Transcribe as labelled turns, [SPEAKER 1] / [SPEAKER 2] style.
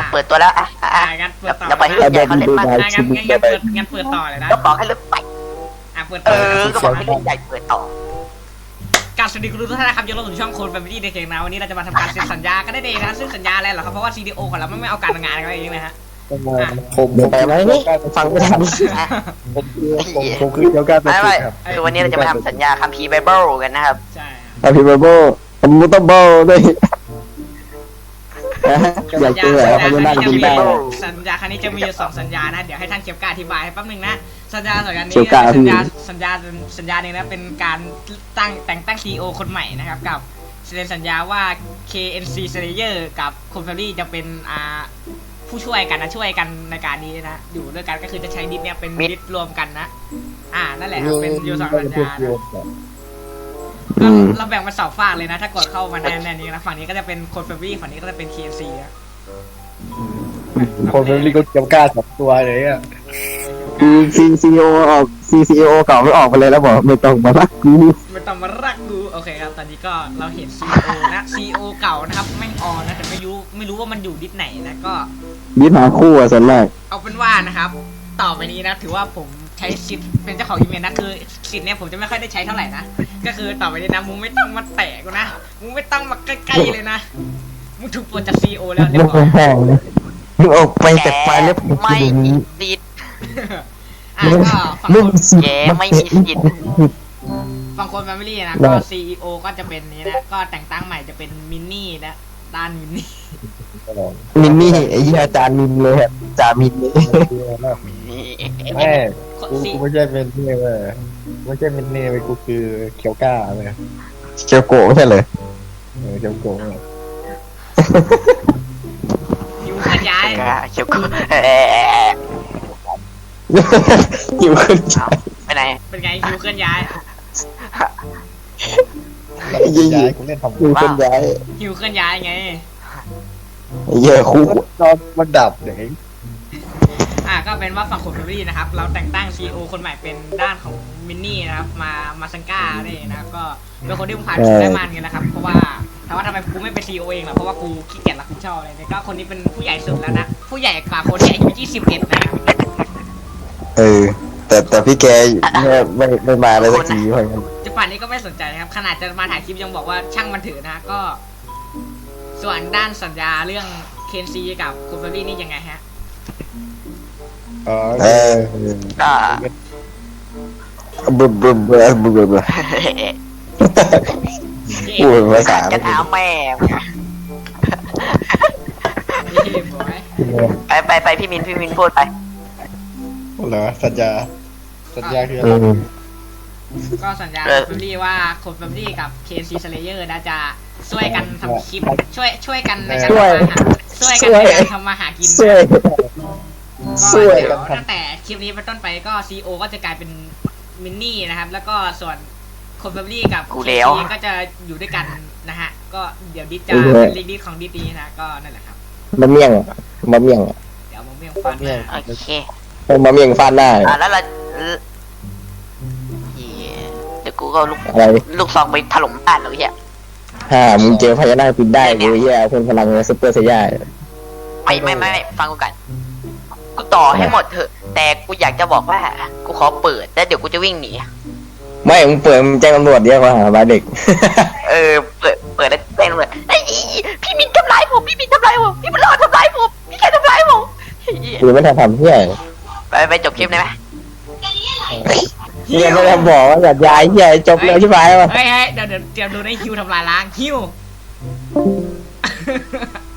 [SPEAKER 1] เปิดตัวแล้ว
[SPEAKER 2] งั้นเปิดต่อ
[SPEAKER 1] เราไปให้รุ่นใหญ่เขาเล่นบ้าง
[SPEAKER 2] งั้นเปิดต่อเลยนะ
[SPEAKER 1] ก็บอกให้รุ่นใหม่
[SPEAKER 2] เปิดต่อ
[SPEAKER 1] ก็บอกให้รุ่นใหญ่เปิดต่อ
[SPEAKER 2] การสวัสดีคุณทุกท่านนะครับยกเลิกสู่ช่องโคนแฟมิลี่เด็กๆนะวันนี้เราจะมาทำการเซ็นสัญญากันได้เองนะซึ่งสัญญาอะไรเหรอครับเพราะว่า CDO ของเราไม่เอาการงานกันเองนะฮะ
[SPEAKER 3] ผมไปไหมนี่ฟังไม่ทันผมคือเกี่ยวกับ
[SPEAKER 1] ไม่คือวันนี้เราจะมาทำสัญญาคัมภีร์ไบเบิลกันนะครับ
[SPEAKER 2] ใช่
[SPEAKER 3] อภิบาลผมมุตเบิลด้วยอยากเจออะไรเขาจะนั่งกินได้
[SPEAKER 2] สัญญาครั้งนี้จะมี2สัญญานะเดี๋ยวให้ท่านเก็บการอธิบายให้แป๊บนึงนะสัญญานี้สัญญาหนึ่งนะเป็นการแต่งตั้ง CEO คนใหม่นะครับกับเซ็นสัญญาว่า KNC Slayer กับคนแฟมิลี่จะเป็นผู้ช่วยกันนะช่วยกันในการนี้นะอยู่ด้วยกันก็คือจะใช้ดิสเนี่ยเป็นดิสรวมกันนะนั่นแหละครับเป็นยูสองสัญญาเราแบ่งเป็น2ฝั่งเลยนะถ้ากดเข้ามาในนี้นะฝั่งนี้ก็จะเป็นคนแฟมิลี่ฝั่งนี้ก็จะเป็น KNC นะ
[SPEAKER 3] คนเป็นลิโกเกี่ยวกับ2ตัวเลยอ่ะCCO ออก CCO เก่าไม่ออกไปเลยแล้วบอกไม่ต้องมารักกู
[SPEAKER 2] ไม่ต้องมารักกูโอเคครับตอนนี้ก็เราเห็น CEO นะ CEO เก่านะครับแม่งออนนะแต่ไม่รู้ว่ามันอยู่ดิสไหนนะก็
[SPEAKER 3] ดิสหาคู่อ่ะส่วนมาก
[SPEAKER 2] เอาเป็นว่านะครับต่อไปนี้นะถือว่าผมใช้สิทธิ์เป็นเจ้าของอีเมลนะคือสิทธิ์เนี่ยผมจะไม่ค่อยได้ใช้เท่าไหร่นะก็คือต่อไปนี้นะมึงไม่ต้องมาแตะกูนะมึงไม่ต้องมาใกล้ๆเลยนะมึงถูกปลดจาก CEO แล้วเรียบร้อย
[SPEAKER 3] มึงออกไปจากไฟล์แล้ว
[SPEAKER 1] ไม่มีสิทธิ์
[SPEAKER 2] ก็
[SPEAKER 1] แกไม่มีสิทธิ์
[SPEAKER 2] ฝั่งคนแฟมิลี่นะก็ CEO ก็จะเป็นนี้นะก็แต่งตั้งใหม่จะเป็นมินนี่นะด้านมิน
[SPEAKER 3] นี่ไอ้ยี่อาจารย์มินเลยครับอาจารย์มินเลยแม่กูไม่ใช่เป็นนี่เว้ยไม่ใช่เป็นนี่เว้ยกูคือเคียวก้าเลยเคียวโกะไม่ใช่เลยเคียวโกะ
[SPEAKER 2] อยู่ขยาย
[SPEAKER 1] เคียวโกะ
[SPEAKER 3] อยู่ขึ้นย้าย
[SPEAKER 1] ไปไหน
[SPEAKER 2] เป็นไงอยู่เคลื่อนย้าย
[SPEAKER 3] ย้ายกูเล่นทำอยู่ขึ้นย้าย
[SPEAKER 2] อยู่เคลื่อนย้ายไง
[SPEAKER 3] เยอะคู่นอนมันดับอย่างนี้
[SPEAKER 2] ก็เป็นว่าฝั่งคนแฟมิลี่นะครับเราแต่งตั้ง CEO คนใหม่เป็นด้านของมินนี่นะครับมาซังก้าเนี่ยนะก็เป็นคนที่ผมผ่านได้มันกันนะครับเพราะว่าถามว่าทำไมกูไม่เป็น CEO เองล่ะเพราะว่ากูขี้เกียจรับผิดชอบอะไรก็คนนี้เป็นผู้ใหญ่สุดแล้วนะผู้ใหญ่กว่าคนที่อายุ21นะ
[SPEAKER 3] แต่พี่แกไม่มาเลยสักทีเพราะงั้น
[SPEAKER 2] จะป่านนี้ก็ไม่สนใจนะครับขนาดจะมาถ่ายคลิปยังบอกว่าช่างมันถือนะก็ส่วนด้านสัญญาเรื่อง KNC กับคุณเบอร์รี่นี่ยังไงฮะ
[SPEAKER 3] บึบพูดภาษา
[SPEAKER 1] จะถามแม่ไปพี่มินพูดไป
[SPEAKER 3] เหรอสัญญาคืออะไร
[SPEAKER 2] ก็สัญญาคุณเบอร์รี่ว่าคุณเบอร์รี่กับ KNC Slayer นะจะช่วยกันทำคลิปช่วยกันในการทำมาหากินก็เดี๋ยวตั้งแต่คลิปนี้เป็นต้นไปก็ CEO ก็จะกลายเป็นมินนี่นะครับแล้วก็ส่วนคนแฟมิลี่กับ KNC ก็จะอยู่ด้วยกันนะฮะก็เดี๋ยวดิจะเป็นลิงก์ดิของดิดีนะก็นั่นแหละครับ
[SPEAKER 3] มะเมี่ยง
[SPEAKER 2] เดี๋ยวมะเมี่ยงฟัน
[SPEAKER 1] โอเค
[SPEAKER 3] มะเมี่ยงฟันได้
[SPEAKER 1] แล้วเราเดี๋ยวกูก็ลูกซองไปถล่มบ้านเราเหี้ย
[SPEAKER 3] มึงเจอพญานาคปิดได้เลยเหี้ยคนพลังซุปเปอร์ไซย่า
[SPEAKER 1] ไม่ฟังกูกันกูต่อให้หมดเถอะแต่กูอยากจะบอกว่ากูขอเปิดแล้วเดี๋ยวกูจะวิ่งหนี
[SPEAKER 3] ไม่มึงเปิดมึงแจ้งตำรวจเรียกว่าหาบ้าเด็ก
[SPEAKER 1] เปิดแล้วแจ้งตำรวจไอ้พี่มินทำร้ายผมพี่มันรอทำร้ายผมพี่แค่ทำร้ายผม
[SPEAKER 3] กูไม่ทำเหี้ย
[SPEAKER 1] ไปจบคลิปได้ไหม
[SPEAKER 3] ยังไม่ได้บอกว่าอย่าย้ายเหี้ยจบเลยใช่ไหมวะ
[SPEAKER 2] เฮ้ยเดี๋ยวดูในคิวทำลายล้างคิว